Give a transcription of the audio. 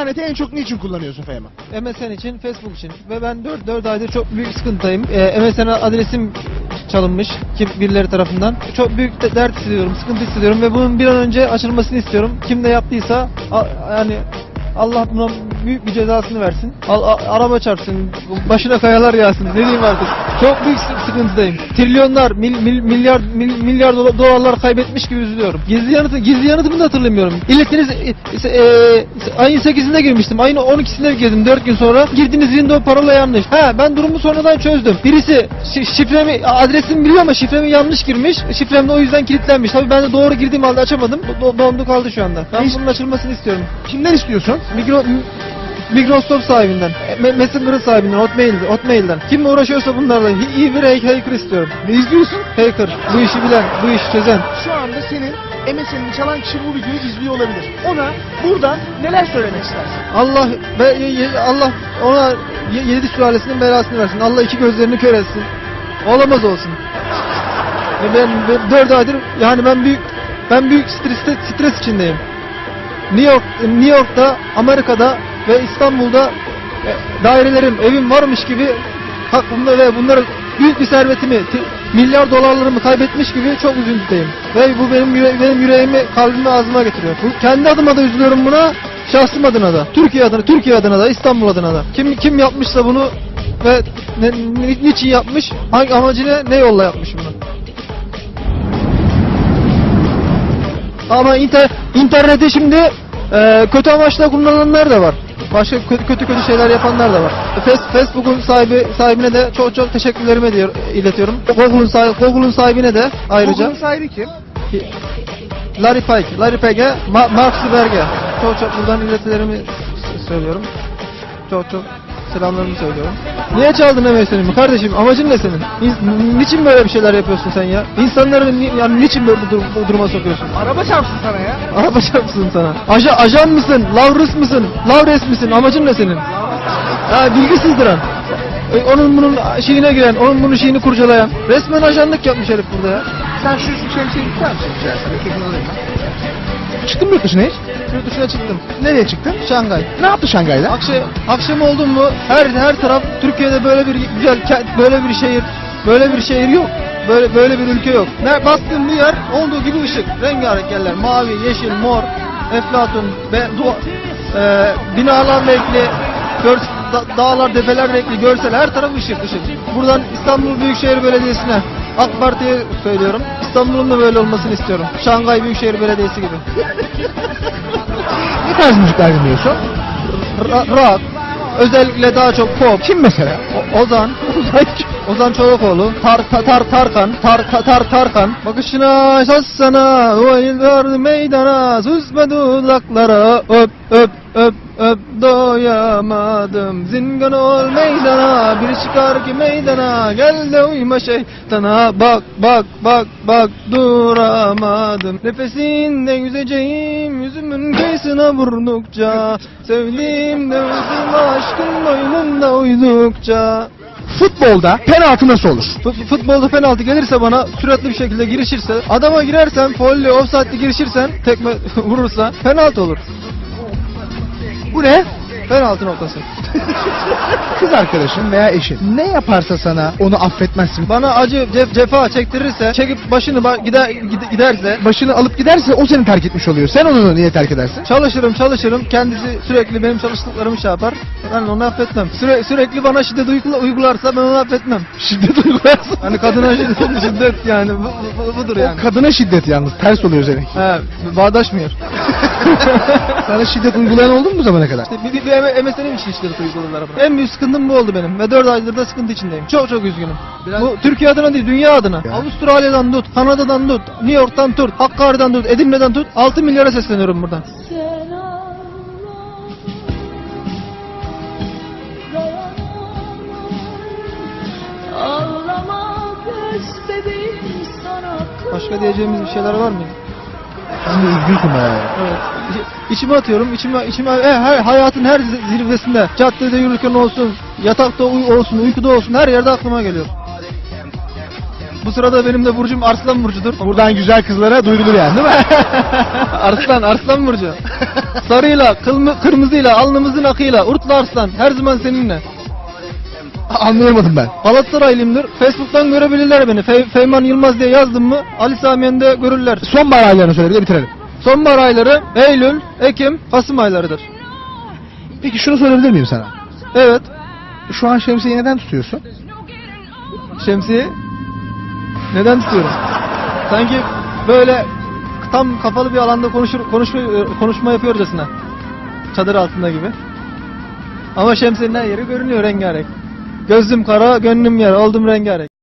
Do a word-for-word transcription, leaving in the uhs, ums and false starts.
İnterneti en çok niçin kullanıyorsun Fehmi? M S N için, Facebook için ve ben dört aydır çok büyük sıkıntıdayım. Ee, M S N adresim çalınmış kim birileri tarafından. Çok büyük de dert hissediyorum, sıkıntı hissediyorum ve bunun bir an önce açılmasını istiyorum. Kim ne yaptıysa a, yani Allah buna büyük bir cezasını versin. Al, a, araba çarpsın, başına kayalar yağsın. Ne diyeyim artık? Çok büyük sıkıntıdayım. Trilyonlar, mil, mil, milyar mil, milyar dolarlar kaybetmiş gibi üzülüyorum. Gizli yanıtı, gizli yanıtımı da hatırlamıyorum. İletiniz e, e, ayın sekizinde girmiştim. Ayın on ikisinde girdim dört gün sonra. Girdiğiniz window parola yanlış. Ha ben durumu sonradan çözdüm. Birisi şifremi, adresimi biliyor ama şifremi yanlış girmiş. Şifrem de o yüzden kilitlenmiş. Tabii ben de doğru girdiğim halde açamadım. Do dondu kaldı şu anda. Ben bunun açılmasını istiyorum. Kimden istiyorsun? Micro, Microsoft sahibinden, Messenger'ın sahibinden, Hotmail'den, Hotmail'den. Kim uğraşıyorsa bunlarla iyi bir hacker istiyorum. Ne izliyorsun? Hacker, bu işi bilen, bu işi çözen. Şu anda senin M S N'ini çalan kişi bu videoyu izliyor olabilir. Ona buradan neler söylemek istersin? Allah ve Allah ona yedi sülalesinin belasını versin. Allah iki gözlerini kör etsin. Olamaz olsun. Ve ben, ben dört aydır yani ben büyük ben büyük stres stres içindeyim. New York, New York'ta, Amerika'da ve İstanbul'da dairelerim, evim varmış gibi hakkımda ve bunların büyük bir servetimi, milyar dolarlarımı kaybetmiş gibi çok üzüntüdeyim. Ve bu benim yüre benim yüreğimi, kalbimi ağzıma getiriyor. Bu, kendi adıma da üzülüyorum buna, şahsım adına da, Türkiye adına, Türkiye adına da, İstanbul adına da. Kim kim yapmışsa bunu ve ne, ni, niçin yapmış, hangi amacına, ne yolla yapmış bunu. Ama inter, internette şimdi e, kötü amaçla kullananlar da var. Başka kötü kötü kötü şeyler yapanlar da var. Facebook'un sahibi sahibine de çok çok teşekkürlerimi diyor, iletiyorum. Google'un sahibi, Google'un sahibine de ayrıca. Google'un sahibi kim? Larry Page, Larry Page'e, Ma Mark Zuckerberg'e çok çok buradan iletilerimi söylüyorum. Çok çok selamlarımı söylüyorum. Niye çaldın M S N'imi kardeşim? Amacın ne senin? Ni niçin böyle bir şeyler yapıyorsun sen ya? İnsanları ni yani niçin böyle bu, dur bu duruma sokuyorsun? Araba çarpsın sana ya. Araba çarpsın sana. Aja ajan mısın? Lavrus mısın? Lavres misin? Amacın ne senin? Ha bilgi sızdıran. E, onun bunun şeyine giren, onun bunun şeyini kurcalayan. Resmen ajanlık yapmış herif burada ya. Sen şu şemsiyeyi tutar mısın? Çekil alayım ben. Çıktın mı yurt dışına hiç? Yurt dışına çıktım. Nereye çıktın? Şangay. Ne yaptı Şangay'da? Akşam, akşam oldu mu her her taraf Türkiye'de böyle bir güzel böyle bir şehir böyle bir şehir yok. Böyle böyle bir ülke yok. Ne bastığım bir yer olduğu gibi ışık. Rengarenk yerler. Mavi, yeşil, mor, eflatun, be, dua, e, binalar renkli, gör, da, dağlar, tepeler renkli, görsel her taraf ışık ışık. Buradan İstanbul Büyükşehir Belediyesi'ne, AK Parti'ye söylüyorum. İstanbul'un da böyle olmasını istiyorum. Şangay Büyükşehir Belediyesi gibi. Ne tarz müzikler dinliyorsun? Ra rock, özellikle daha çok pop. Kim mesela? O Ozan, Ozan Çolakoğlu, Tar Tar Tar Tarkan, Tar Tar Tar Tarkan. Bakışına şassana, o yıllar meydana, süzme dudaklara, öp öp öp öp doyamadım. Zingan ol meydana, bir çıkar ki meydana, gel de uyma şeytana. Bak bak bak bak duramadım. Nefesinde yüzeceğim, yüzümün kıyısına vurdukça, sevdiğimde üzülme aşkın boynunda uydukça. Futbolda penaltı nasıl olur? Futbolda penaltı gelirse bana, süratli bir şekilde girişirse, adama girersen, foul'le, offside'li girişirsen, tekme vurursa penaltı olur. Bu ne? Penaltı noktası. Kız arkadaşın veya eşin ne yaparsa sana onu affetmezsin. Bana acı cef cefa çektirirse, çekip başını ba gider gide giderse, Başını alıp giderse o seni terk etmiş oluyor. Sen onu niye terk edersin? çalışırım çalışırım, kendisi sürekli benim çalıştıklarımı şey yapar. Ben onu affetmem. Süre sürekli bana şiddet uygularsa ben onu affetmem. Şiddet uygularsın. Hani kadına şiddet, şiddet yani bu, bu, budur yani. O kadına şiddet yalnız ters oluyor senin. He, bağdaşmıyor. Sana şiddet uygulayan oldu mu bu zamana kadar? İşte bir, bir, bir M S N'im için şiddet uyguladılar bana. En büyük sıkıntım bu oldu benim ve dört aydır da sıkıntı içindeyim. Çok çok üzgünüm. Biraz... Bu Türkiye adına değil, dünya adına. Ya. Avustralya'dan tut, Kanada'dan tut, New York'tan tut, Hakkari'den tut, Edirne'den tut. altı milyara sesleniyorum buradan. Başka diyeceğimiz bir şeyler var mı? Sen de üzgünsün ya. Evet. İçime atıyorum, içime, içime e, her, hayatın her zirvesinde, caddede yürürken olsun, yatakta uy olsun, uykuda olsun, her yerde aklıma geliyor. Bu sırada benim de burcum Arslan burcudur. Buradan güzel kızlara duyurulur yani değil mi? Arslan, Arslan burcu. Sarıyla, kılmı, kırmızıyla, alnımızın akıyla, Urtlu Arslan her zaman seninle. Anlayamadım ben. Galatasaraylıyımdır. Facebook'tan görebilirler beni. Fe, Feyman Yılmaz diye yazdım mı Ali Samiyen'de görürler. Sonbahar aylarını söyle bir de bitirelim. Sonbahar ayları Eylül, Ekim, Kasım aylarıdır. Peki şunu sorabilir miyim sana? Evet. Şu an şemsiyeyi neden tutuyorsun? Şemsiye. Neden tutuyorum? Sanki böyle tam kapalı bir alanda konuşur, konuşma, konuşma yapıyorcasına. Çadır altında gibi. Ama şemsiyenin her yeri görünüyor rengarenk. Gözüm kara, gönlüm yara, oldum rengarenk.